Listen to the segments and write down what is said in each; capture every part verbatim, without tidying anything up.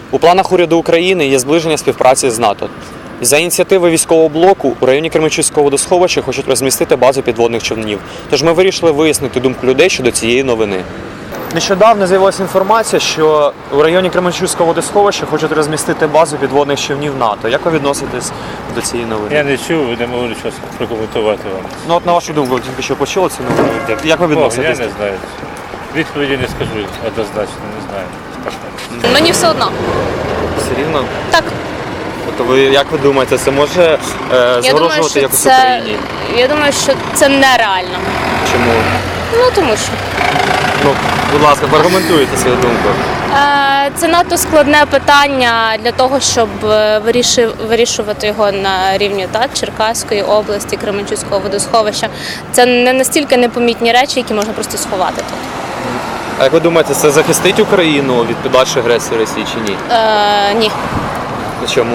У планах уряду України є зближення співпраці з НАТО. За ініціативи військового блоку у районі Кременчуцького водосховища хочуть розмістити базу підводних човнів. Тож ми вирішили вияснити думку людей щодо цієї новини. Нещодавно з'явилася інформація, що у районі Кременчуцького водосховища хочуть розмістити базу підводних човнів НАТО. Як ви відноситесь до цієї новини? Я не чув, не можу щось прокоментувати вам. Ну от на вашу думку, ви тільки що почули цю новину. Як ви відноситесь? О, я не знаю. Відповіді не скажу однозначно, не знаю. Мені все одно. Все рівно? Так. Тобто ви, як ви думаєте, це може е, Я думаю, загрожувати що якось це, Україні? я думаю, що це нереально. Чому? Ну, тому що. Ну, будь ласка, аргументуйте свою думку. Е, Це надто складне питання для того, щоб е, вирішив, вирішувати його на рівні так, Черкаської області, Кременчуцького водосховища. Це не настільки непомітні речі, які можна просто сховати тут. А як ви думаєте, це захистить Україну від подальшої агресії Росії чи ні? Е, ні. Чому?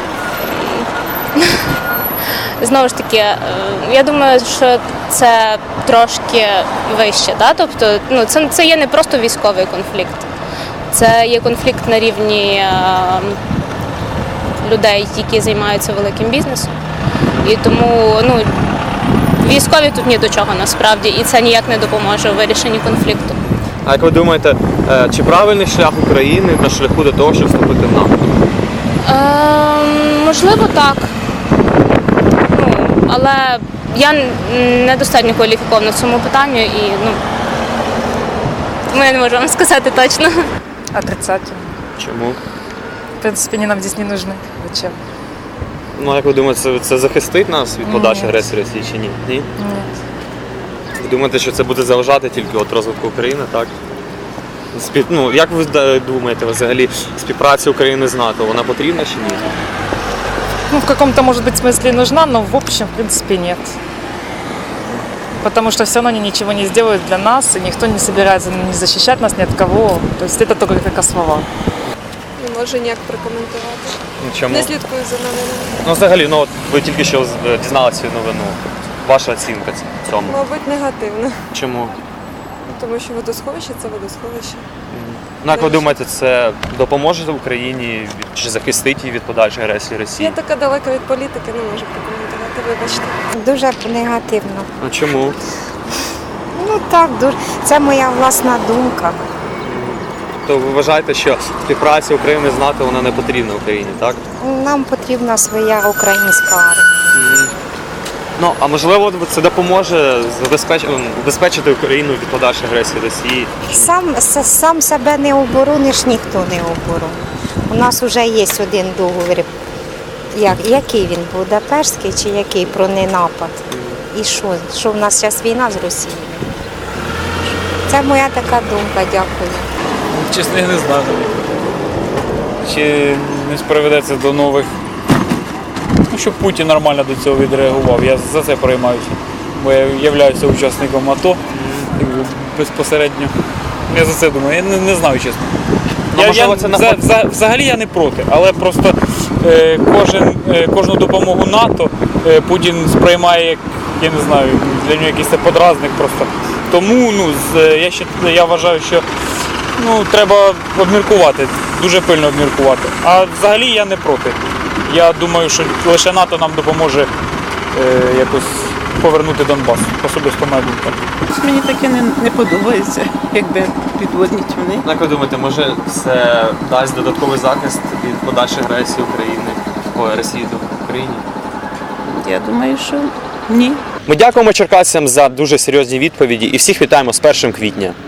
Знову ж таки, е, я думаю, що це трошки вище. Да? Тобто, ну, це, це є не просто військовий конфлікт. Це є конфлікт на рівні е, людей, які займаються великим бізнесом. І тому ну, військові тут ні до чого насправді, і це ніяк не допоможе у вирішенні конфлікту. А як ви думаєте, е, чи правильний шлях України на шляху до того, щоб вступити в НАТО? Е, можливо, так. Ну, але я недостатньо кваліфікована в цьому питанні і ну, тому я не можу вам сказати точно. Отрицательно. Чому? В принципе, они нам здесь не нужны. Зачем? Ну, як ви думаєте, це, це захистить нас від подальшої Ні. агресії Росії чи ні? Ні? Нет. Ви думаєте, що це буде заважати тільки от розвитку України, так? Спів... Ну, як ви да, думаєте, взагалі, співпраця України з НАТО, вона потрібна чи ні? Ну, в каком-то, может быть, смысле нужна, но в общем, в принципе, нет. Потому что все равно они ничего не сделают для нас, и никто не собирается не защищать нас ни от кого. То есть это только как слова. Не можу ніяк прокоментувати. Ну, чому? Не слідкую за новинами. Ну, взагалі, ну, от ви тільки що з- дізналися цю новину. Ваша оцінка цьому? Мабуть, негативно. Чому? Тому що водосховище це водосховище. Ну, як ви думаєте, це допоможе Україні від- чи захистить її від подальшої агресії Росії? Я така далека від політики, не можу прокоментувати, вибачте. Дуже негативно. А чому? Ну так, дуже. Це моя власна думка. То ви вважаєте, що співпраця України з НАТО вона не потрібна Україні, так? Нам потрібна своя українська армія. Ну, а можливо, це допоможе забезпечити, убезпечити Україну від подальшої агресії Росії? Сам, с- сам себе не оборониш, ніхто не оборонить. У нас вже є один договір. Як, який він, Будапештський чи який, про ненапад? І що? Що в нас зараз війна з Росією? Це моя така думка, дякую. Чесно, я не знаю. Чи не спроведеться до нових. Ну, щоб Путін нормально до цього відреагував. Я за це переймаюся. Бо я являюся учасником АТО якби, безпосередньо. Я за це думаю, я не, не знаю чесно. Ну, Я, можливо, я, це вза- наход- вза- взагалі я не проти, але просто е, кожен, е, кожну допомогу НАТО е, Путін сприймає як, я не знаю, для нього якийсь це подразник просто. Тому ну, з, е, я, ще, я вважаю, що ну, треба обміркувати, дуже пильно обміркувати. А взагалі я не проти. Я думаю, що лише НАТО нам допоможе е, якось повернути Донбас. Особисто моя думка. Мені таке не, не подобається, якби підводні човни. Як ви думаєте, може це дасть додатковий захист від подальшої агресії України, ой, Росії до України? Я думаю, що ні. Ми дякуємо черкасцям за дуже серйозні відповіді і всіх вітаємо з першим квітня.